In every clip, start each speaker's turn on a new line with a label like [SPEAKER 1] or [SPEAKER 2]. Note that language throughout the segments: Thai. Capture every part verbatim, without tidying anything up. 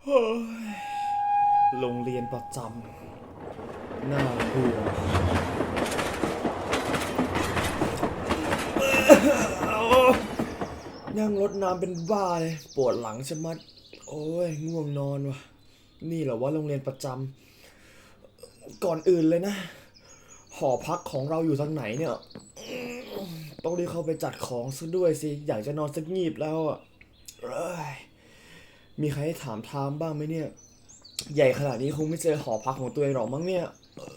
[SPEAKER 1] โรงเรียนประจำน่าเบื่อนั่งรถน้ำเป็นบ้าเลยปวดหลังชะมัดโอ้ยง่วงนอนว่ะนี่เหรอว่าโรงเรียนประจำก่อนอื่นเลยนะหอพักของเราอยู่ทางไหนเนี่ยต้องรีบเข้าไปจัดของซะด้วยสิอยากจะนอนสักงีบแล้วอ่ะมีใครให้ถามทางบ้างไหมเนี่ยใหญ่ขนาดนี้คงไม่เจอหอพักของตัวเองหรอกมั้งเนี่ย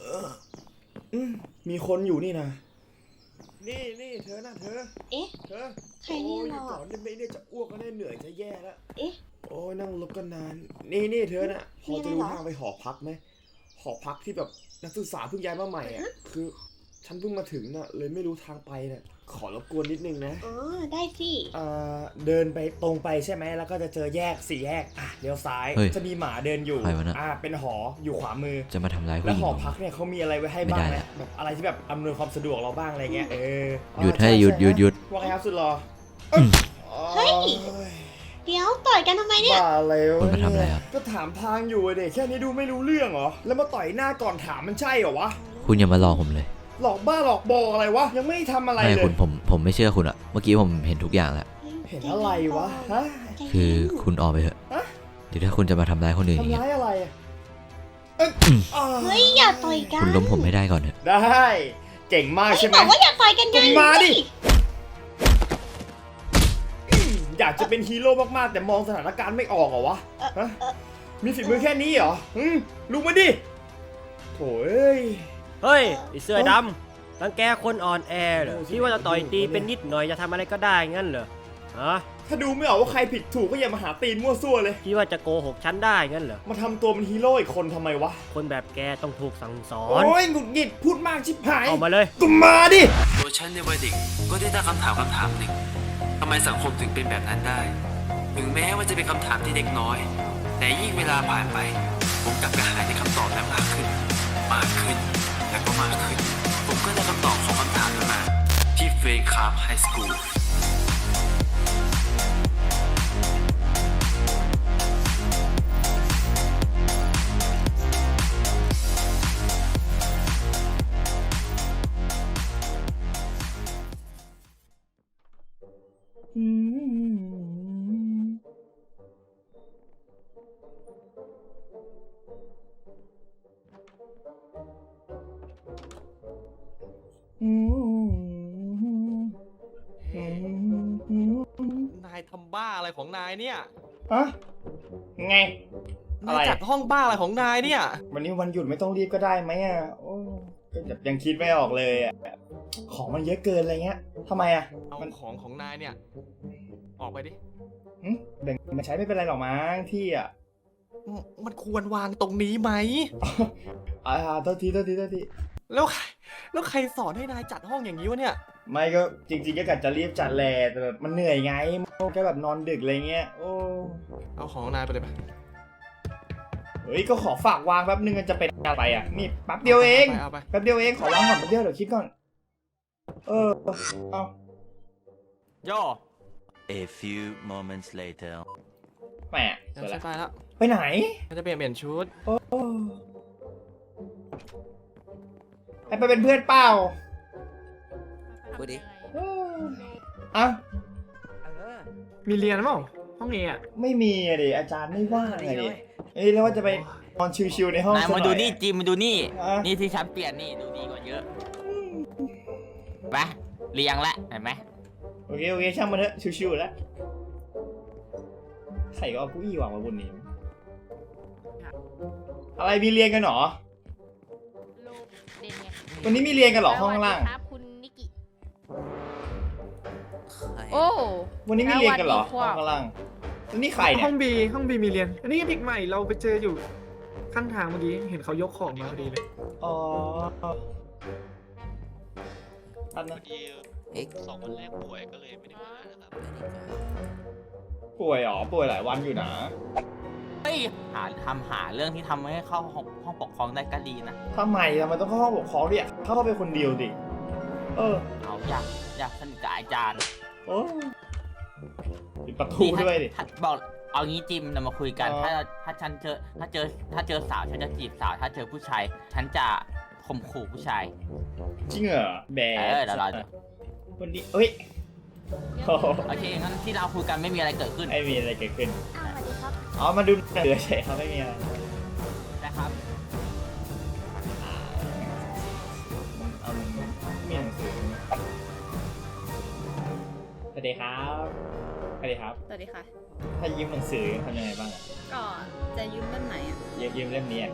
[SPEAKER 1] มีคนอยู่นี่นะนี่นี่เธอนะเธอ
[SPEAKER 2] เอ๊ะ
[SPEAKER 1] เธอ
[SPEAKER 2] ใครเนี่ยเรา
[SPEAKER 1] ก่อนได้ไหมเนี่ยจะอ้วกก็ได้เหนื่อยจะแย่แล้ว
[SPEAKER 2] เอ๊ะ
[SPEAKER 1] โอ้ยนั่งรถกันนานนี่นี่เธอน่ะพอจะรู้ทางไปหอพักไหมหอพักที่แบบนักศึกษาเพิ่งย้ายมาใหม่อ่ะคือฉันเพิ่งมาถึงน่ะเลยไม่รู้ทางไปน่ะขอรบกวนนิดนึงนะ
[SPEAKER 2] อ๋อได้สิ
[SPEAKER 1] อ่าเดินไปตรงไปใช่ไหมแล้วก็จะเจอแยกสี่แยกอ่ะเลี้ยวซ้ายจะมีหมาเดินอยู่อ่าเป็นหออยู่ขวามือ
[SPEAKER 3] จะมาทำร้ายผู้หญิง
[SPEAKER 1] แล้วหอพักเนี่ยเขามีอะไรไว้ให้บ้างนะแบบอะไรที่แบบอำนวยความสะดวกเราบ้างอะไรเงี้ยเออ
[SPEAKER 3] หยุดให้หยุดหยุดหยุด
[SPEAKER 1] ว่าไงครับสุดหรอ
[SPEAKER 2] เฮ้ยเดี๋ยวต่อยกันทำไมเนี่ย
[SPEAKER 1] บ้าอะไรวะ
[SPEAKER 3] คุณมาทำอะไรครับ
[SPEAKER 1] ก็ถามทางอยู่เด็กแค่นี้ดูไม่รู้เรื่องเหรอแล้วมาต่อยหน้าก่อนถามมันใช่เหรอวะ
[SPEAKER 3] คุณอย่ามาหลอกผมเลย
[SPEAKER 1] หลอกบ้าหลอกบออะไรวะยังไม่ทำอะไรเลย
[SPEAKER 3] ไม่คุณผมผมไม่เชื่อคุณอะเมื่อกี้ผมเห็นทุกอย่างแล้ว
[SPEAKER 1] เห็นอะไรวะฮะ
[SPEAKER 3] คือคุณออกไปเถอะเดี๋ยวถ้าคุณจะมาทำร้ายคนอื่นอย่างเงี้ย
[SPEAKER 1] ทำร้ายอะไร
[SPEAKER 2] เฮ้ยอย่าต่อยกัน
[SPEAKER 3] คุณล้มผมไม่ได้ก่อนเถอะ
[SPEAKER 1] ได้เก่งมากใช่ไหม
[SPEAKER 2] บอกว่าอย่าต่อยกันไง
[SPEAKER 1] มาดิอยากจะเป็นฮีโร่มากๆแต่มองสถานการณ์ไม่ออกเหรอวะฮะมีฝีมือแค่นี้เหรอลุกมาดิโถ่เอ้ย
[SPEAKER 4] เฮ้ยไอเสื้อดำรังแกคนอ่อนแอเหรอที่ว่าจะต่อยตีเป็นนิดหน่อยจะทำอะไรก็ได้งั้นเหรอฮะ
[SPEAKER 1] ถ้าดูไม่ออกว่าใครผิดถูกก็อย่ามาหาตีนมั่วซั่วเลย
[SPEAKER 4] ที่ว่าจะโกหกฉันได้งั้นเหรอ
[SPEAKER 1] มาทำตัวเป็นฮีโร่อีกคนทำไมวะ
[SPEAKER 4] คนแบบแกต้องถูกสั่งสอน
[SPEAKER 1] โอ้ยหงุดหงิดพูดมากชิบหาย
[SPEAKER 4] เอามาเลย
[SPEAKER 1] ก็มาดิ
[SPEAKER 5] ตัวฉันในวัยเด็กก็ได้ตั้งคำถามคำถามหนึ่งทำไมสังคมถึงเป็นแบบนั้นได้ถึงแม้ว่าจะเป็นคำถามที่เด็กน้อยแต่ยิ่งเวลาผ่านไปผมกลับกระหายในคำตอบนั้นมากขึ้นมากขึ้นและก็มากขึ้นผมก็ได้คำตอบของคำถามนั้นมาที่เฟย์คาร์บไฮสคูล
[SPEAKER 6] นายทำบ้าอะไรของนายเนี่ย
[SPEAKER 1] ฮะไง
[SPEAKER 6] นายจัดห้องบ้าอะไรของนายเนี่ย
[SPEAKER 1] วันนี้วันหยุดไม่ต้องรีบก็ได้ไหมอ่ะโอ้ก็ยังคิดไม่ออกเลยอ่ะของมันเยอะเกินอะไรเงี้ยทำไมอ่ะ
[SPEAKER 6] เอาของของนายเนี่ยออกไปดิ
[SPEAKER 1] แบ่งมาใช้ไม่เป็นไรหรอกมั้งที่อ่ะ
[SPEAKER 6] มันควรวางตรงนี้ไหม
[SPEAKER 1] อ่าโทษทีโทษทีโทษที
[SPEAKER 6] แล้วใครแล้วใครสอนให้นายจัดห้องอย่างนี้วะเนี่ย
[SPEAKER 1] ไม่ก็จริงๆก็กะจะรีบจัดแหละแต่แบบมันเหนื่อยไงแค่แบบนอนดึกอะไรเงี้ยโอ้
[SPEAKER 6] เอาของนายไปเลยไป
[SPEAKER 1] เฮ้ยก็ขอฝากวางแป๊บนึงจะเป็นอะไรอ่ะนี่แป๊บเดียวเองแป๊บเดียวเองขอวางก่อนแป๊บเดียวเดี๋ยวคิดก่อนเออเอา
[SPEAKER 6] ย่อ
[SPEAKER 7] A few moments later
[SPEAKER 1] แหม
[SPEAKER 6] จะไปแล้ว
[SPEAKER 1] ไปไหน
[SPEAKER 6] จะเปลี่ยนเปลี่ยนชุด
[SPEAKER 1] โอ้ให้ไปเป็นเพื่อนเปล่า
[SPEAKER 7] พูดดิ
[SPEAKER 1] อ่ะ
[SPEAKER 8] มีเรียนมั้งห้องนี้อ่ะ
[SPEAKER 1] ไม่มีอะดิอาจารย์ไม่ว่างไงดิเอ้ยแล้วว่าจะไปนอนชิวๆในห้อง
[SPEAKER 7] นายมาดูนี่จิมมาดูนี่นี่ที่ฉันเปลี่ยนนี่ดูดีกว่าเยอะไปเรียงละเห็นไหม
[SPEAKER 1] โอเคโอเคช่างมันเถอะชิวๆแล้วใครก็เอาผู้อี้วางมาบนนี้อะไรมีเรียนกันหรอวันนี้มีเรียนกันหรอห้องล่าง
[SPEAKER 9] โอ้
[SPEAKER 1] วันนี้มีเรียนกันหรอห้องล่างแล้วนี่ใครเนี่ย
[SPEAKER 8] ห้องบีห้องบีมีเรียนอันนี้เด็กใหม่เราไปเจออยู่ข้างทางเมื่อกี้เห็นเขายกของมาพอดีเลย
[SPEAKER 1] อ๋ออันนั้น
[SPEAKER 6] สองวันแรกป่วยก็เลยไม่ได้มานะครับ
[SPEAKER 1] ป่วยหรอป่วยหลายวันอยู่นะ
[SPEAKER 7] เฮ้ยหาทำหาเรื่องที่ทำให้เข้าห้องห้องปกครองได้ก็ดีนะ
[SPEAKER 1] ทำไมทำไมต้องเข้าห้องปกครองดิเข้าไปคนเดียวดิเออ
[SPEAKER 7] เอาอยากอยากสนิทกับอาจารย์
[SPEAKER 1] โอ้ปิดประตูด้วยดิ
[SPEAKER 7] บอกเอางี้จิมเรามาคุยกัน
[SPEAKER 1] อ๋อ
[SPEAKER 7] ถ้าถ้าฉันเจอถ้าเจอถ้าเจอสาวฉันจะจีบสาว ถ้าเจอผู้ชายฉันจะข่มขู่ผู้ชาย
[SPEAKER 1] จริงเหรอแบ
[SPEAKER 7] เออเดี๋ยวเราจะ
[SPEAKER 1] วันนี้เอ้ยโอ้โห
[SPEAKER 7] โอเคงั้นที่เราคุยกันไม่มีอะไรเกิดขึ้น
[SPEAKER 1] ไม่มีอะไรเกิดขึ้น
[SPEAKER 2] อ้าวสวัสดีครับ
[SPEAKER 1] อ๋อ มาดูหนังสือเฉยครับไม่มีอะไร
[SPEAKER 7] นะครับ
[SPEAKER 1] เอามีหนังสือสวัสดีครับสวัสดีครับ
[SPEAKER 9] สวัสดีค่ะ
[SPEAKER 1] ถ้ายืมหนังสือทำยังไงบ้างอะ
[SPEAKER 9] ก็จะยืมเล่มไหนอ่ะ
[SPEAKER 1] ยืมยืมเล่มนี้อะ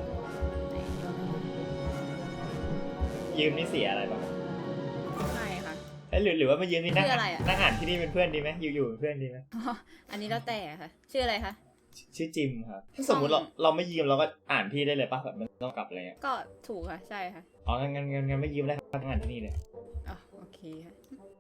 [SPEAKER 1] ยืมนี่เสียอะไรบ้าง
[SPEAKER 9] ใช่ค่ะ
[SPEAKER 1] เอ้ยหรือหรือว่ามายืมนี่นั่ง
[SPEAKER 9] ชื่ออะไรอะ
[SPEAKER 1] นั่งอ่านที่นี่เป็นเพื่อนดีไหมอยู่อยู่เป็นเพื่อนดีไหม
[SPEAKER 9] อันนี้แล้วแต่ค่ะ ชื่ออะไรคะ
[SPEAKER 1] ชื่อจิมครับถ้าสมมติเราเราไม่ยืมเราก็อ่านพี่ได้เลยป่ะแบบมันต้องกลับอะไรเงี้ย
[SPEAKER 9] ก็ถูกค่ะ ใช่ค่ะ
[SPEAKER 1] อ๋องั้นงั้นงั้นงั้นไม่ยืมได้ครับนั่งอ่านที่นี่เลย
[SPEAKER 9] อ๋อโอเคค่ะ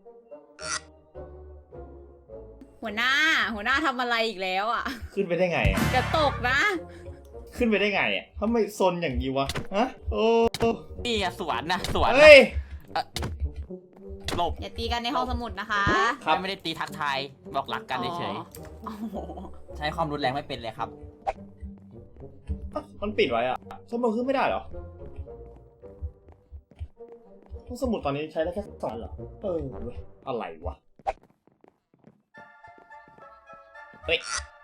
[SPEAKER 9] หัวหน้า หัวหน้าทำอะไรอีกแล้วอ่ะ
[SPEAKER 1] ขึ้นไปได้ไงอะ
[SPEAKER 9] จะตกนะ
[SPEAKER 1] ขึ้นไปได้ไงอ่ะทำไมซนอย่างนี้วะฮะโอ้
[SPEAKER 7] นี่อะสวนนะสวนนะ
[SPEAKER 1] เฮ้ย
[SPEAKER 7] หลบ
[SPEAKER 9] อย่าตีกันในห้องสมุดนะคะ
[SPEAKER 1] ครับ
[SPEAKER 7] ไม่ได้ตีทักทายบอกรักกันเฉย
[SPEAKER 9] อ๋อโอ้โห
[SPEAKER 7] ๆใช้ความรุนแรงไม่เป็นเลยครับ
[SPEAKER 1] มันปิดไว้อ่ะสมุดขึ้นไม่ได้เหรอห้องสมุดตอนนี้ใช้ได้แค่สองเหรอเออเว้ยอะไรวะเฮ้ย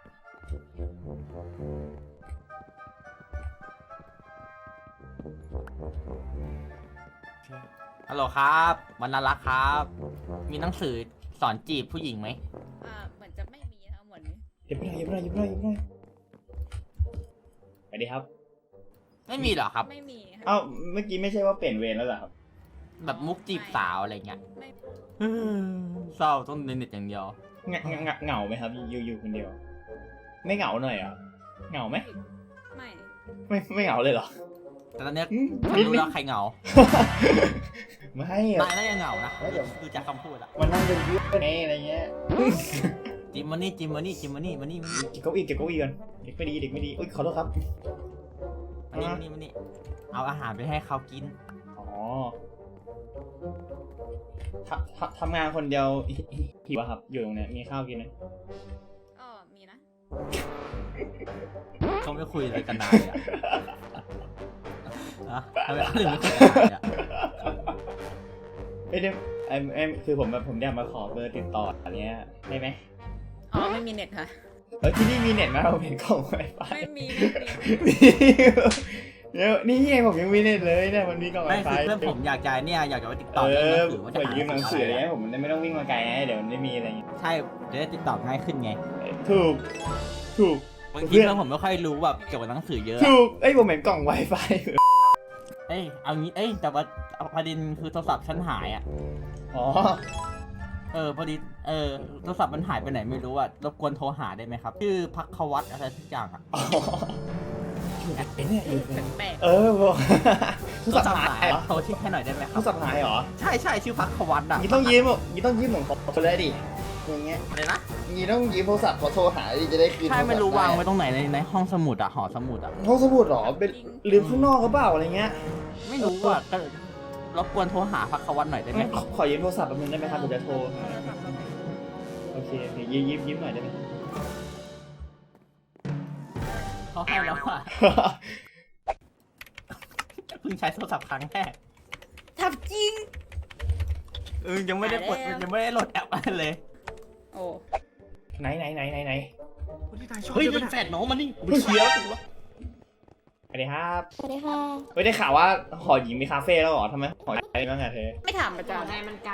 [SPEAKER 7] ฮัลโหลครับวันน่ารักครับ มีหนังสือสอนจีบผู้หญิงไหม
[SPEAKER 9] อ่าเหมือนจะไม่มีทั้งหมดนี้
[SPEAKER 1] เย็บไม่ได้เย็บไม่ได้เย็บไม่ได้เย็บไม่ได้สวัสดีครับ
[SPEAKER 7] ไม่มีเหรอครับ
[SPEAKER 9] ไม่มีค่ะ
[SPEAKER 1] เอ้าเมื่อกี้ไม่ใช่ว่าเปลี่ยนเวรแล้วเหรอครับ
[SPEAKER 7] แบบมุกจีบสาวอะไรเงี้ย
[SPEAKER 9] ไม่
[SPEAKER 7] เศร้าต้องเน็ตอย่างเดียว
[SPEAKER 1] เหงาเหงาเหงาไหมครับอยู่อยู่คนเดียว ไม่เหงาหน่อยเหรอ่ะเหงาไหม
[SPEAKER 9] ไม่
[SPEAKER 1] ไม่ไม่เหงาเลยเหรอ
[SPEAKER 7] แต่ตอนเนี้ย
[SPEAKER 1] อืม
[SPEAKER 7] ฉันรู้แล้วใครเหงา
[SPEAKER 1] ไม่อะ
[SPEAKER 7] นายน่าจะเหงานะ
[SPEAKER 1] ไม่เดี๋ยว
[SPEAKER 7] ดูจากคำพูดอะ
[SPEAKER 1] มันนั่งเป็นเพื่อนไงอะไรเงี้ย
[SPEAKER 7] จิมมานี่จิมมานี่จิมมานี่มานี่มานี่
[SPEAKER 1] เก็บเก้าอี้เก็บเก้าอี้ก่อนเด็กไม่ดีเด็กไม่ดีอุ้ยขอโทษครับ
[SPEAKER 7] มานี่มานี่มานี่เอาอาหารไปให้เขากิน
[SPEAKER 1] อ๋อทำทำทำงานคนเดียวหิหิวอะครับ อยู่ตรงเนี้ยมีข้าวกินไหม
[SPEAKER 9] อ๋อมีนะ
[SPEAKER 7] เขาไม่คุยอะไรกันนานเลยอะอะทำไมเขาถึงไม่คุยกันนานเลยอะ
[SPEAKER 1] ไม่ได้ไอ้ไอ้คือผมแบบผมอยากมาขอเบอร์ติดต่ออะไรเงี้ยได้ไหม
[SPEAKER 9] อ๋อไม่มีเน็ตค่ะ
[SPEAKER 1] เออที่นี่มีเน็ตไหมเราเห็นกล่องไวไฟ
[SPEAKER 9] ไม่มีไม่มี
[SPEAKER 1] เดี๋ยวนี่ไงผมยังมีเน็ตเลยเนี่ยมันมีกล่องไว
[SPEAKER 7] ไม่
[SPEAKER 1] ไฟ
[SPEAKER 7] คือเพื่อนผมอยากจะเนี่ยอยากจะไปติดต่อ
[SPEAKER 1] เอ
[SPEAKER 7] เรื่องห
[SPEAKER 1] อ
[SPEAKER 7] นังสือว่า
[SPEAKER 1] เปิ
[SPEAKER 7] จะ
[SPEAKER 1] ด
[SPEAKER 7] หา
[SPEAKER 1] ยืมหนังสืออะไร
[SPEAKER 7] อะไร
[SPEAKER 1] เงี้ยผมไม่ต้องวิ่งมาไกลไงเดี๋ยวมันไม่มีอะไรเงี้ย
[SPEAKER 7] ใช่จะได้ติดต่อง่ายขึ้นไง
[SPEAKER 1] ถูกถูก
[SPEAKER 7] บางทีเพื่อนผมไม่ค่อยรู้แบบเกี่ยวกับหนังสือเยอะ
[SPEAKER 1] ถูกเอ้ยผมเห็นกล่องไวไฟ
[SPEAKER 7] เอ้ยเอางี้เอ้ยแต่ว่าประเด็นคือโทรศัพท์ฉันหายอ่ะ
[SPEAKER 1] อ๋อ
[SPEAKER 7] เออพอดีเออโทรศัพท์มันหายไปไหนไม่รู้อ่ะรบกวนโทรหาได้ไหมครับชื่อพักควัตอะไรทุกอย่างอ่ะ
[SPEAKER 1] อ๋ออยู่ไหนเนี่ยอยู่ไหน
[SPEAKER 9] แปลก
[SPEAKER 1] เออบอกโทร
[SPEAKER 7] โทร
[SPEAKER 1] ศัพ
[SPEAKER 7] ศัพ
[SPEAKER 1] ท์
[SPEAKER 7] ท์
[SPEAKER 1] หา
[SPEAKER 7] หาย ย
[SPEAKER 1] เหรอ
[SPEAKER 7] โทรที่ให้หน่อยได้ไหมค
[SPEAKER 1] โท
[SPEAKER 7] รั
[SPEAKER 1] ร
[SPEAKER 7] บ
[SPEAKER 1] ศัพท์หายเหรอ
[SPEAKER 7] ใช่ใช่ชื่อพักควัตอ่ะ
[SPEAKER 1] นี่ต้องยืมนี่ต้องยืมของเขาเลยดิอย่างเงี้ย
[SPEAKER 7] อะไรนะ
[SPEAKER 1] นี่ต้องยืมโทรศัพท์เขาโทรหาดิจะได้คืน
[SPEAKER 7] ใช่ไม่รู้
[SPEAKER 1] โทศัพท์
[SPEAKER 7] วาง
[SPEAKER 1] ด้
[SPEAKER 7] ไว้ตรงไหนในในห้องสมุดอ่ะหอสมุดอ่ะ
[SPEAKER 1] ห้องสมุดเหรอเป็นลืมข้างนอกหรือเปล่าอะไรเงี้ย
[SPEAKER 7] ไม่รู้อ่ะก็รบกวนโทรหาพักควัตหน่อยได้ไหม
[SPEAKER 1] ขอขอยืมโทรศัพท์แป๊บนึงได้ไหมครับเดี๋ยวจะโทรหา
[SPEAKER 9] โทรศัพท์เราไหน
[SPEAKER 1] โอเคโอเคยืมยืมยืมหน่อยได้ไหม
[SPEAKER 7] เขาให้แล้วอ่ะเพิ่งใช้โทรศัพท์ครั้งแรก
[SPEAKER 9] ทำจริง
[SPEAKER 7] เออยังไม่ได้กด
[SPEAKER 9] หายแล้ว
[SPEAKER 7] ยังไม่ได้โหลดแอปอะไรเลย
[SPEAKER 9] โอ้
[SPEAKER 1] ไหนไหนไหนไหนไหน
[SPEAKER 8] คนที่นายชอบ
[SPEAKER 7] เฮ้ย
[SPEAKER 8] ใช่
[SPEAKER 7] เป็
[SPEAKER 8] ไหม
[SPEAKER 7] นแฟนน้องมันนี่ไปเคลียร์แล้ว
[SPEAKER 1] สวัสดีครับ
[SPEAKER 2] สวัสดีค่ะ
[SPEAKER 1] ไม่ได้ข่าวว่าหอหญิงมีคาเฟ่แล้วเหรอทำไมหอหญิงอะไรบ้างอะเธอ
[SPEAKER 9] ไม่ถามอาจารย์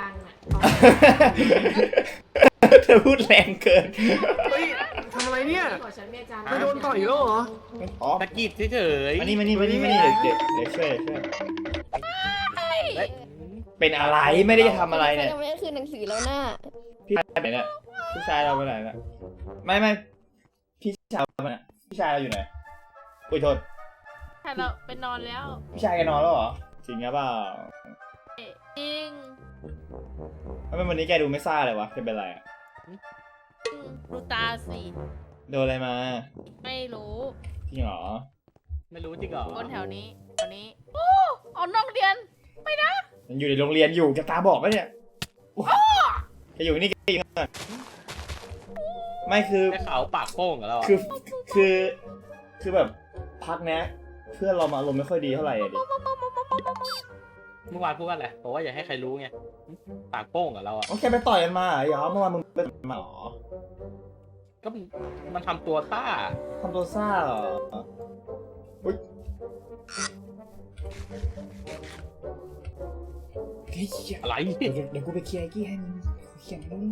[SPEAKER 1] เธอพูดแรงเกิน
[SPEAKER 8] เฮ้ยทำอะไรเนี่ยไม่โดนต่อยแล้วเหรอ
[SPEAKER 1] อ๋อ
[SPEAKER 7] ตะกี้เฉย
[SPEAKER 1] มานี่มานี่มานี่มานี่เดี๋ยวเดี๋ยวเดี๋ยวช่วยเดี๋ยวช่วยเป็นอะไรไม่ได้ทำอะไรเนี่ย
[SPEAKER 2] ยังไม่ได้คืนหนังสือแล้วน่ะ
[SPEAKER 1] พี่ชายไปไหนเนี่ยพี่ชายเราไปไหนเนี่ยไม่ไม่พี่ชายเราไปไหนพี่ชายเราอยู่ไหนอุ้ยโทษ
[SPEAKER 10] ใช่เราไปนอนแล้ว
[SPEAKER 1] พี่ชายแกนอนแล้วเหรอจริงหรือเปล่า
[SPEAKER 10] จริง
[SPEAKER 1] ทำไมวันนี้แกดูไม่ซ่าเลยวะแกเป็นไรอะ
[SPEAKER 10] ดูตาสิ
[SPEAKER 1] โดนอะไรมา
[SPEAKER 10] ไม่รู้
[SPEAKER 1] จริงเหรอ
[SPEAKER 7] ไม่รู้จริงเหรอ
[SPEAKER 10] คนแถวนี้แถวนี้ โอ้เอานอกเรียน
[SPEAKER 1] มันอยู่ในโรงเรียนอยู่แกตาบอกไหมเนี่ยโอ้แกอยู่นี่แกยิงก่อนไม่คือ
[SPEAKER 6] ได้ข่าวปากโป้งกับเราอะ
[SPEAKER 1] คือคือคือแบบพักเนี้ยเพื่อนเรามาอารมณ์ไม่ค่อยดีเท่าไหร่อะดิ
[SPEAKER 6] เมื่อวานพูดว่าอะไรบอกว่าอย่าให้ใครรู้ไงปากโป้งกับเราอ่ะ
[SPEAKER 1] โอเคไปต่อยกันมาเหรอเมื่อวานมึงไปต่อยกันมาเหรอ
[SPEAKER 6] ก็มันทำตัวต้า
[SPEAKER 1] ทำตัวซ่าเหรออุ๊ยเฮ้ยเหี้ย
[SPEAKER 6] อะไร
[SPEAKER 1] เดี๋ยวเดี๋ยวกูไปเคลียร์ไอ้กี้ให้มึงเคลียร์มึง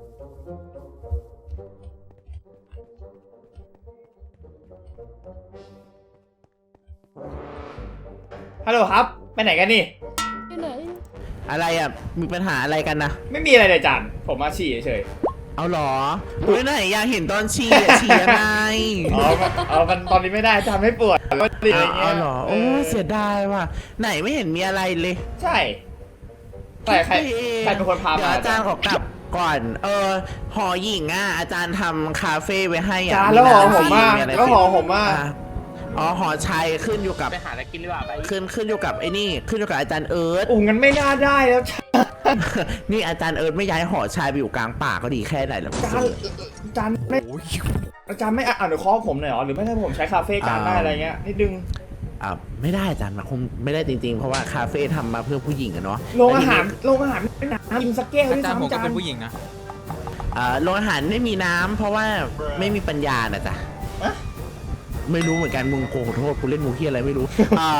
[SPEAKER 1] ฮัลโหลครับไปไหนกันนี่
[SPEAKER 10] อยู่ไหน
[SPEAKER 7] อะไรอ่ะ มีปัญหาอะไรกันนะ
[SPEAKER 1] ไม่มีอะไรเลยจานผมมาฉี่เฉย
[SPEAKER 7] เอาหรออุ้ยไหนอยากเห็นตอนฉี่อะฉี่ยังไง
[SPEAKER 1] ๆอ๋อมันเอามันตอนนี้ไม่ได้จานไม่ปวดก็ดีอะไรเงี้
[SPEAKER 7] เอา
[SPEAKER 1] ย
[SPEAKER 7] หรอ โอ้เสียดายว่ะ ไหนไม่เห็นมีอะไรเลย
[SPEAKER 1] ใช่ใครใครใครเป็นคนพา
[SPEAKER 7] เดี๋ยว
[SPEAKER 1] มา
[SPEAKER 7] อาจารย์ขอกลับก่อน เออ หอหญิงอ่ะ อาจารย์ทำคาเฟ่ไว้ให้อ่ะ
[SPEAKER 1] จานแล้วหอผมมาก
[SPEAKER 7] ะไร
[SPEAKER 1] แล้วหอผมมาก
[SPEAKER 7] อ่ะอ๋อ หอชัยขึ้นอยู่กับ
[SPEAKER 6] ไปหาอะไรกินดีกว่าไป
[SPEAKER 7] ขึ้นขึ้นอยู่กับไอ้นี่ ขึ้นอยู่กับอาจารย์เอิร์ธ
[SPEAKER 1] โอ้งั้นไม่น่าได้แล้ว
[SPEAKER 7] นี่อาจารย์เอิร์ธไม่ย้ายหอชัยไปอยู่กลางป่าก็ดีแค่ไหนแล้ว
[SPEAKER 1] จานจานไม่อาจารย์ไม่อ่านหรือคอผมหน่อยเหรอหรือไม่ให้ผมใช้คาเฟ่จานได้อะไรเงี้ยนิดนึง
[SPEAKER 7] อ่าไม่ได้อาจารย์มันคงไม่ได้จริงๆ เพราะว่าคาเฟ่ทำมาเพื่อผู้หญิงอะเนาะ
[SPEAKER 1] โรงอาหารโรงอาหารไม่น้ำกินสักแก้วด้วยซ้ำจาน
[SPEAKER 7] อ่าโรงอาหารไม่มีน้ำเพราะว่าไม่มีปัญญานะจ๊ะ
[SPEAKER 1] อะ
[SPEAKER 7] ไม่รู้เหมือนกันมึงโกขอโทษกูเล่นมูเคียอะไรไม่รู้ อ่า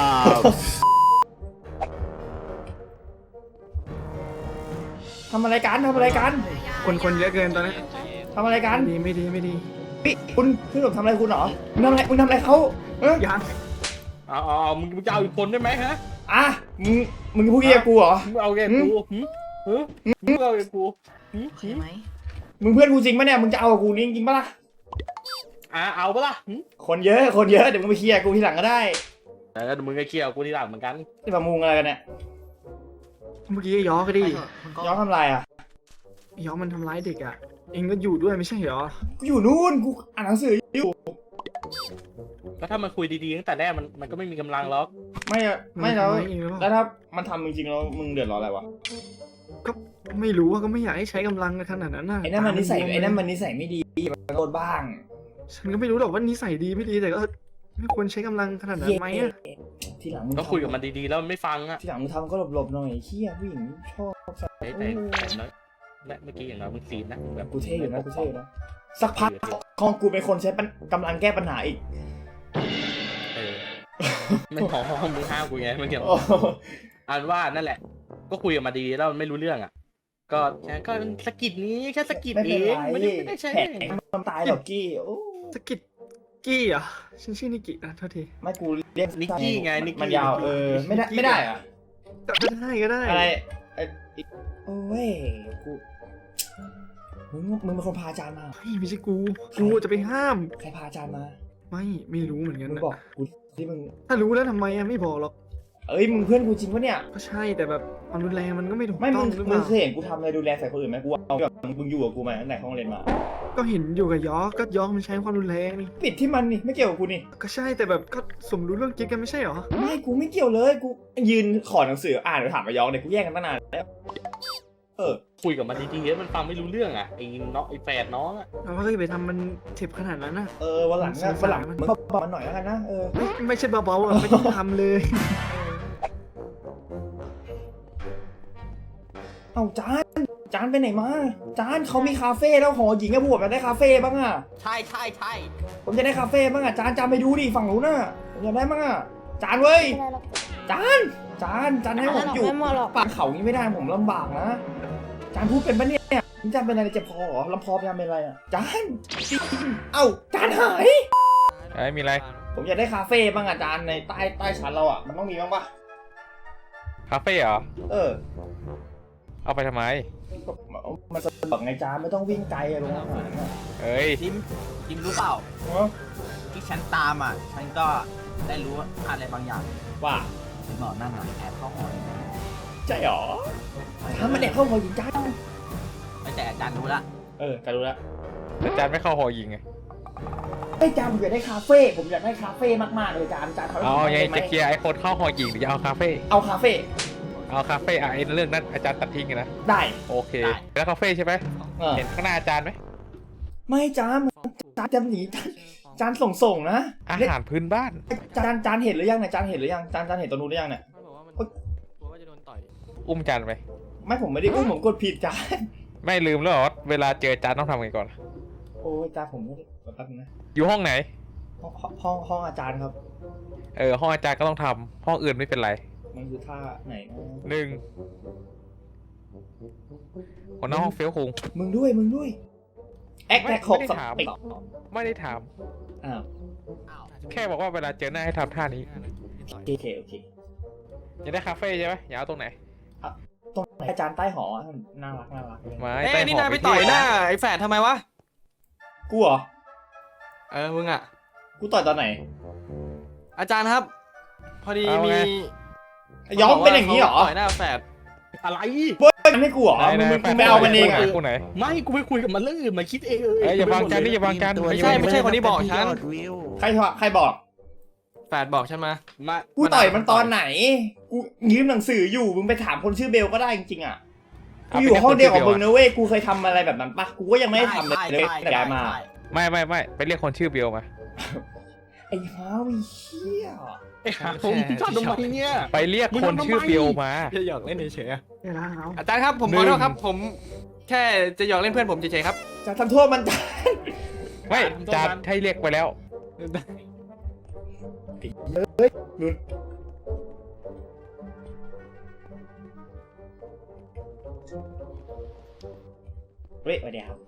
[SPEAKER 1] ทำอะไรกันทำอะไรกัน
[SPEAKER 8] คนคนเยอะเกินตอนนี้
[SPEAKER 1] ทำอะไรกัน
[SPEAKER 8] ดีไม่ดีไม่ดี
[SPEAKER 1] พี่คุณพี่หนุ่มทำอะไรคุณเหรอมึงทำอะไรมึงทำอะไรเขาเอ้ย
[SPEAKER 8] ยัง
[SPEAKER 6] เอาเอาเอามึงจะเอาอีกคนได้ไหมฮะ
[SPEAKER 1] อ่ะมึงมึงพูดเงี้ยกูเหรอ
[SPEAKER 6] มึงเอาแกกูหึหึมึงเอาแกกูหึหึ
[SPEAKER 1] มึงเพื่อนกูจริงปะเนี่ยมึงจะเอากับกูนี่จริงปะล่ะ
[SPEAKER 6] อ่ะเอาปะล่ะหึ
[SPEAKER 1] คนเยอะคนเยอะเดี๋ยวมึงไปเคลียร์กูทีหลังก็ได้
[SPEAKER 6] เออเดี๋ยวมึงก็เคลียร์กับกูทีหลังเหมือนกัน
[SPEAKER 1] นี่มามุงอะไรกันเนี่ย
[SPEAKER 8] เมื่อกี้ย้อก็ดิ
[SPEAKER 1] ย้อนทำอะไรอ่ะ
[SPEAKER 8] ย้อมันทำร้ายเด็กอ่ะ เองก็อยู่ด้วยไม่ใช่เหรอ
[SPEAKER 1] กูอยู่นู่นกูอ่านหนังสืออยู่
[SPEAKER 6] ก็ถ้ามันคุยดีๆตั้งแต่แรกมันมันก็ไม่มีกำลังหรอก
[SPEAKER 1] ไม่อะไม่แล้ว
[SPEAKER 8] ทำร้ายเองหรือเป
[SPEAKER 1] แล้
[SPEAKER 8] ล่าว
[SPEAKER 1] ถ้ามันทำจริงๆแล้วมึงเดือดร้อนอะไรวะ
[SPEAKER 8] ก็ไม่รู้ว่าก็ไม่อยากให้ใช้กำลังขนาดนั้นน่ะ
[SPEAKER 1] ไอ้นั่นมันนิสัย
[SPEAKER 8] ตาบวม
[SPEAKER 1] ไอ้นั่นมันนิสัยไม่ดีมันโดนบ้าง
[SPEAKER 8] ฉันก็ไม่รู้หรอกว่านิสัยดีไม่ดีแต่ก็ไม่ควรใช้กำลังขนาดนั้นไหมอะ
[SPEAKER 1] ทีหลังมึง
[SPEAKER 6] ก็คุยกับมันดีๆแล้วมันไม่ฟังอ่ะ
[SPEAKER 1] ทีหลังมึงทำก็หลบๆหน่อยเฮียผู้หญิงชอบ
[SPEAKER 6] เฮ้ยแต่แต่น้อยและเมื่อกี้อย่างน้อยมึงซีดนะแบบ
[SPEAKER 1] กูเท่อยู่นะกูเท่อยู่นะสักพักของกูเป็นคนใช้ปัญกำลังแก้ปัญหาอีก
[SPEAKER 6] เออไม่หอมมึงห้ามกูไงเมื่อกี้
[SPEAKER 1] โอ้
[SPEAKER 6] อันว่านั่นแหละ ก็คุยกับมาดีแล้วมันไม่รู้เรื่องอ่ะ ก็แค่ก็สะกิดนี้แค่สะกิด
[SPEAKER 1] ไม่
[SPEAKER 6] เอ
[SPEAKER 1] เป็น
[SPEAKER 6] ง
[SPEAKER 1] ไร
[SPEAKER 6] ไม่ได้ไม่ได้ใช่
[SPEAKER 1] แผลมันตายหรอกกี้โอ้
[SPEAKER 8] สกิดกี้เหรอ่ะฉันชื่อนิกินะโทษที
[SPEAKER 1] ไม่กูเรียก
[SPEAKER 6] นิกกี้ไงนิกกี้
[SPEAKER 1] มันยาวเออไม่ได้ไม่ได้อะ
[SPEAKER 8] ก็ได้ก็ได้
[SPEAKER 1] อะไรไอ้อีกโอ้ยกูมึงมึงเป็นคนพาอาจารย์มา
[SPEAKER 8] เฮ้ยไม่ใช่กูกูจะไปห้าม
[SPEAKER 1] ใครพาอาจารย์มา
[SPEAKER 8] ไม่ไม่รู้เหมือนกัน
[SPEAKER 1] มึง
[SPEAKER 8] นะ
[SPEAKER 1] บอกกูที่มึง
[SPEAKER 8] ถ้ารู้แล้วทำไมอะไม่บอกหรอก
[SPEAKER 1] เอ้ยมึงเพื่อนกูจริงปะเนี่ย
[SPEAKER 8] ก็ใช่แต่แบบความรุนแรงมันก็ไม่ถูก
[SPEAKER 1] ไม่
[SPEAKER 8] ต้
[SPEAKER 1] มึ
[SPEAKER 8] อง
[SPEAKER 1] ง
[SPEAKER 8] หรือเป
[SPEAKER 1] มึง
[SPEAKER 8] ล่า
[SPEAKER 1] เคยเห็นกูทำอะไรดูแลใส่คนอื่นไหมกูเอาแบบมึงอยู่กับกูมาตั้งแต่ห้องเรียนมา
[SPEAKER 8] ก็เห็นอยู่กับยอกก็ยอกมันใช้ความรุนแรงนี่
[SPEAKER 1] ปิดที่มันนี่ไม่เกี่ยวกับกูนี่
[SPEAKER 8] ก็ใช่แต่แบบก็สมรู้ร่วมคิดกันไม่ใช่เหรอ
[SPEAKER 1] ไม่กูไม่เกี่ยวเลยกูยืนขอหนังสืออ่านหรือถามมายองเนี่ยกูแย่งกันตั้งนานแล้วเออ
[SPEAKER 6] คุยกับมันดีๆแล้วมันฟังไม่รู้เรื่องอ่ะไอ้น้องไอ้แฝดน้องอ่ะ
[SPEAKER 8] เราก็จะไปทำมันเจ็บขนาดนั้นนะ
[SPEAKER 1] เออวันหลังอะวันหลังมึงบอกมันหน่อยแล้วกันนะเออ
[SPEAKER 8] ไม่ไม่ใช่เบาๆอ่ะไม่ต้องทำเลย
[SPEAKER 1] เอ้าจานจานไปไหนมาจานเขามีคาเฟ่แล้วหอหญิงอะผมอยากได้คาเฟ่บ้างอะ
[SPEAKER 7] ใช่ใช่ใช่
[SPEAKER 1] ผมจะได้คาเฟ่บ้างอะจานจานไปดูดิฝั่งนู้นน่ะผมอยากได้บ้างอะจานเว้ยจานจานจานให้ผมอยู่ป่าเขานี้ไม่ได้ผมลำบากนะจานพูดเป็นปะเนี่ยจานเป็นอะไรเจ็บคอเหรอลำคอจานเป็นอะไรอะจานเอ้าจานหาย
[SPEAKER 11] ไอ้มีอะไร
[SPEAKER 1] ผมอยากได้คาเฟ่บ้างอะจานในใต้ใต้ชั้นเราอะมันต้องมีบ้างปะ
[SPEAKER 11] คาเฟ่เหรอ
[SPEAKER 1] เออ
[SPEAKER 11] เอาไปทำไม
[SPEAKER 1] มันสะดวกไงจานไม่ต้องวิ่งไกลอะโรงอาหารอะ
[SPEAKER 11] เอ้ย
[SPEAKER 7] จิมจิมรู้เปล่า
[SPEAKER 1] เนอะ
[SPEAKER 7] ที่ฉันตามอ่ะ ฉันก็ได้รู้อะไรบางอย่าง
[SPEAKER 1] ว่า
[SPEAKER 7] ฉันบอกนั่นอ่ะแอบเข้าหอ
[SPEAKER 1] ใช่หรอถ้ามันแอบเข้าหอหญิงจาน
[SPEAKER 7] ไม่แต่อาจารย์รู้ละ
[SPEAKER 1] เออกันรู้แล้ว
[SPEAKER 11] แต่จานไม่เข้าหอยิงไง
[SPEAKER 1] ไอ้ยจานผมอยากได้คาเฟ่ผมอยากได้คาเฟ่มากๆเลยจานจานเขา
[SPEAKER 11] เอาไง
[SPEAKER 1] ได้ไหม
[SPEAKER 11] จะเคลียร์ไอ้คนเข้าหอยิงหรือจะเอาคาเฟ่
[SPEAKER 1] เอาคาเฟ่
[SPEAKER 11] เอาคาเฟ่อะไอ้เรื่องนั้นอาจารย์ตัดทิ้งไงนะ
[SPEAKER 1] ได้
[SPEAKER 11] โอเค แล้วคาเฟ่ใช่ไหม
[SPEAKER 1] เออ
[SPEAKER 11] เห็นข้างหน้าอาจารย์ไหม
[SPEAKER 1] ไม่จานจานจะหนีจานจานส่งส่งนะ
[SPEAKER 11] อาหารพื้นบ้าน
[SPEAKER 1] จานจานเห็นหรือยังเนี่ยจานเห็นหรือยังจานจานเห็นตัวนู้นหรือยังเนี่ย
[SPEAKER 6] มันบอกว่ามันกลัวว่าจะโดนต่อย
[SPEAKER 11] อุ้มจานไป
[SPEAKER 1] ไม่ผมไม่ได้อุ้มผมกดผิดจาน
[SPEAKER 11] ไม่ลืมแล้วเหรอเวลาเจอจานต้องทำไงก่อน
[SPEAKER 1] โอ้ยจานผมไม่ได้แป๊บนึงนะ
[SPEAKER 11] อยู่ห้องไหน
[SPEAKER 1] ห้องห้องห้องอาจารย์ครับ
[SPEAKER 11] เออห้องอาจารย์ก็ต้องทำห้องอื่นไม่เป็นไร
[SPEAKER 1] มันคือท่าไหนนะ
[SPEAKER 11] หนึ่งคนหน้าห้องเฟี้ยวคุง
[SPEAKER 1] มึงด้วยมึงด้วยแอคแท็กหก
[SPEAKER 11] ไม่ได้
[SPEAKER 1] ส
[SPEAKER 11] ถาม
[SPEAKER 1] ติก
[SPEAKER 11] ไม่ได้ถาม
[SPEAKER 1] อ้าว
[SPEAKER 11] แค่บอกว่าเวลาเจอหน้าให้ทำท่านี้
[SPEAKER 1] โอเคโอเคโอเค
[SPEAKER 11] จะได้คาเฟ่ใช่ไหมอย่าเอาตรงไหน
[SPEAKER 1] ตรงไหนอาจารย์ใต้หอน่ารักน่ารักเลย
[SPEAKER 11] ไม้
[SPEAKER 6] เอ้
[SPEAKER 11] ใต้
[SPEAKER 6] ยนี่
[SPEAKER 11] ห
[SPEAKER 6] นาย
[SPEAKER 11] อ
[SPEAKER 6] ไป
[SPEAKER 11] ที่
[SPEAKER 6] ต่อยหน้าไอ้แฝดทำไมวะ
[SPEAKER 1] กูเหรอ
[SPEAKER 6] เออมึงอ่ะ
[SPEAKER 1] กูต่อยตอนไหน
[SPEAKER 6] อาจารย์ครับ พอดีมี
[SPEAKER 1] ย้อมเป็นอย่างนี้เหรอ
[SPEAKER 6] ต่อยหน้าแฝดอะไร
[SPEAKER 1] เบ้ยมันไม่กูเหรอมึงมึงมึงไม่เอามันเองอ่ะ
[SPEAKER 11] กูไหน
[SPEAKER 6] ไม่กูไปคุยกับมันเรื่องอื่นมันคิดเองเอ
[SPEAKER 11] เอ้ยอย่าวางจานนี่อย่าวางจาน
[SPEAKER 6] ไม่ใช่ไม่ใช่คนที่บอกฉัน
[SPEAKER 1] ใครใครบอก
[SPEAKER 6] แฝดบอกฉันมามา
[SPEAKER 1] กูต่อยมันตอนไหน กูยืมหนังสืออยู่ มึงไปถามคนชื่อเบลก็ได้จริงๆอ่ะ กูอยู่ห้องเดียวกับมึงนะเว้ย กูเคยทำอะไรแบบนั้นปะกูก็ยังไม่ได้ทำเลยเลยแต่ย้ายมา
[SPEAKER 11] ไม่ไม่ไม่ไปเรียกคนชื่อเบลมา
[SPEAKER 1] ไอ้ฮาวิเชี่ย
[SPEAKER 6] ไอ้หาผมชอบทำไมเนี่ย
[SPEAKER 11] ไปเรียกคนชื่อเบลมา
[SPEAKER 6] จะหยอกเล่นเฉย
[SPEAKER 8] เดี๋ยวนะเอา
[SPEAKER 6] ๆอาจารย์ครับผมขอโทษครับ ผมแค่จะหยอกเล่นเพื่อนผมเฉยๆครับ
[SPEAKER 1] จะทำโทษมันจาน
[SPEAKER 11] ไม่จานให้เรียกไปแล้ว
[SPEAKER 1] ลุ้นเฮ้ยสวัสดีครับ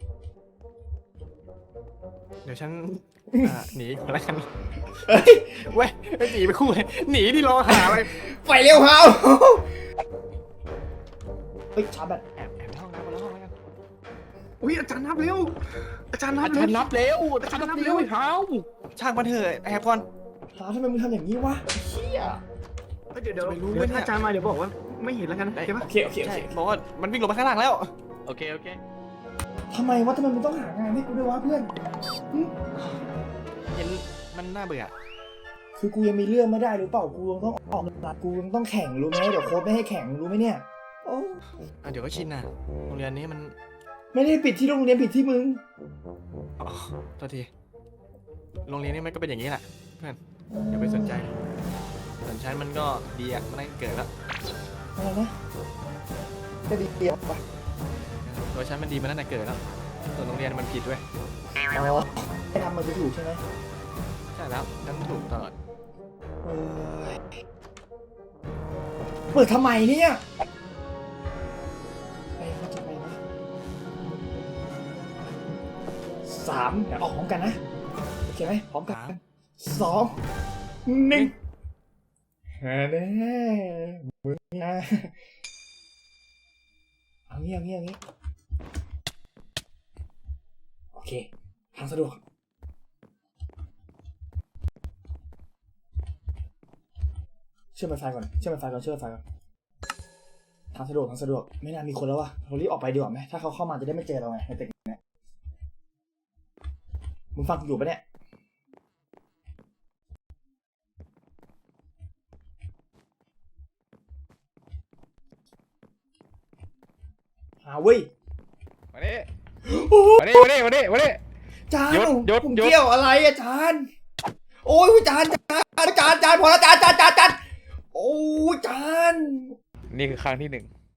[SPEAKER 6] เดี๋ยวฉันอ่าหนีก่อนแล้วกัน
[SPEAKER 1] เฮ้ย
[SPEAKER 6] เว้ยไม่หนีไปคู่เลยหนีที่รอหาอะไร
[SPEAKER 1] ไปเร็วฮาวเฮ้ยชาร์จแบต
[SPEAKER 6] แอบแอบห้องน้ำมาแล้วห้องแล้วกัน
[SPEAKER 8] อุ้ยอาจารย์นับเร็ว อาจารย์นับ
[SPEAKER 6] อาจารย์นับเร็วอาจารย์นับเร็วเท้าช่างมันเถอะแอบก่อน
[SPEAKER 1] ฮาวทำไมมึงทำอย่างนี้วะเชี่ย
[SPEAKER 8] เฮ้ยเดี๋ยวเดี๋ยว
[SPEAKER 6] ไม่รู้
[SPEAKER 8] เดี๋ยว
[SPEAKER 6] เนี่ย
[SPEAKER 8] ถ้าอาจารย์มาเดี๋ยวบอกว่าไม่เห็นแล้วกันโอเคปะ
[SPEAKER 1] โอเคโอเคโอ
[SPEAKER 6] ใช่
[SPEAKER 1] เค
[SPEAKER 6] บอกว่ามันวิ่งลงมาข้างล่างแล้วโอเคโอเค
[SPEAKER 1] ทำไมวะทำไมมึงต้องหางานให้กูด้วยวะเพื่อนหึ
[SPEAKER 6] เห็นมันน่าเบื่อ
[SPEAKER 1] คือกูยังมีเรื่องไม่ได้หรือเปล่า กูยังต้องออกหลักกูยังต้องแข่งรู้ไหมเดี๋ยวโค้ชไม่ให้แข่งรู้ไหมเนี่ยโอ้
[SPEAKER 6] อ่ะเดี๋ยวก็ชินนะโรงเรียนนี้มัน
[SPEAKER 1] ไม่ได้ปิดที่โรงเรียนปิดที่มึง
[SPEAKER 6] อ๋อโทษทีโรงเรียนนี้มันก็เป็นอย่างนี้แหละเพื่อนอย่าไปสนใจส่วนฉันมันก็ดีอ่ะมันตั้งแต่เกิดแล้ว
[SPEAKER 1] อะไรนะจะดีเดียวปะ
[SPEAKER 6] ตัวฉันมันดีมาตั้งแต่เกิดแล้วส่วนโรงเรียนมันผิดด้วย
[SPEAKER 1] อ๋อให้ทำมันจะถูกใช่ไหม
[SPEAKER 6] ใช่แล้วฉันถูกตลอด
[SPEAKER 1] เออเปิดทำไมเนี่ยไปเขาจะไปนะสามเดี๋ยวออกพร้อมกันนะโอเคไหมพร้อมกันสองหนึ่งแน่มึงนะเอางี้เอางี้เอางี้โอเคทางสะดวกเชื่อมไฟก่อนเชื่อมไฟก่อนเชื่อมไฟก่อนทางสะดวกทางสะดวกไม่น่ามีคนแล้ววะเรารีบออกไปดีกว่าไหมถ้าเขาเข้ามาจะได้ไม่เจอเราไงในตึกเนี้ยมึงฟังกูอยู่ปะเนี่ยหาเว้ย
[SPEAKER 11] มาดิ
[SPEAKER 1] โอ้โห
[SPEAKER 11] มาดิมาดิมาดิมาดิ
[SPEAKER 1] จาน
[SPEAKER 11] หยุดหยุด
[SPEAKER 1] ผม
[SPEAKER 11] หยุด
[SPEAKER 1] เกี่ยวอะไรอะจานโอ้ยจานจานจานจานพอแล้วจานจานจานจานโอ้ยจาน
[SPEAKER 11] นี่คือครั้งที่หนึ่ง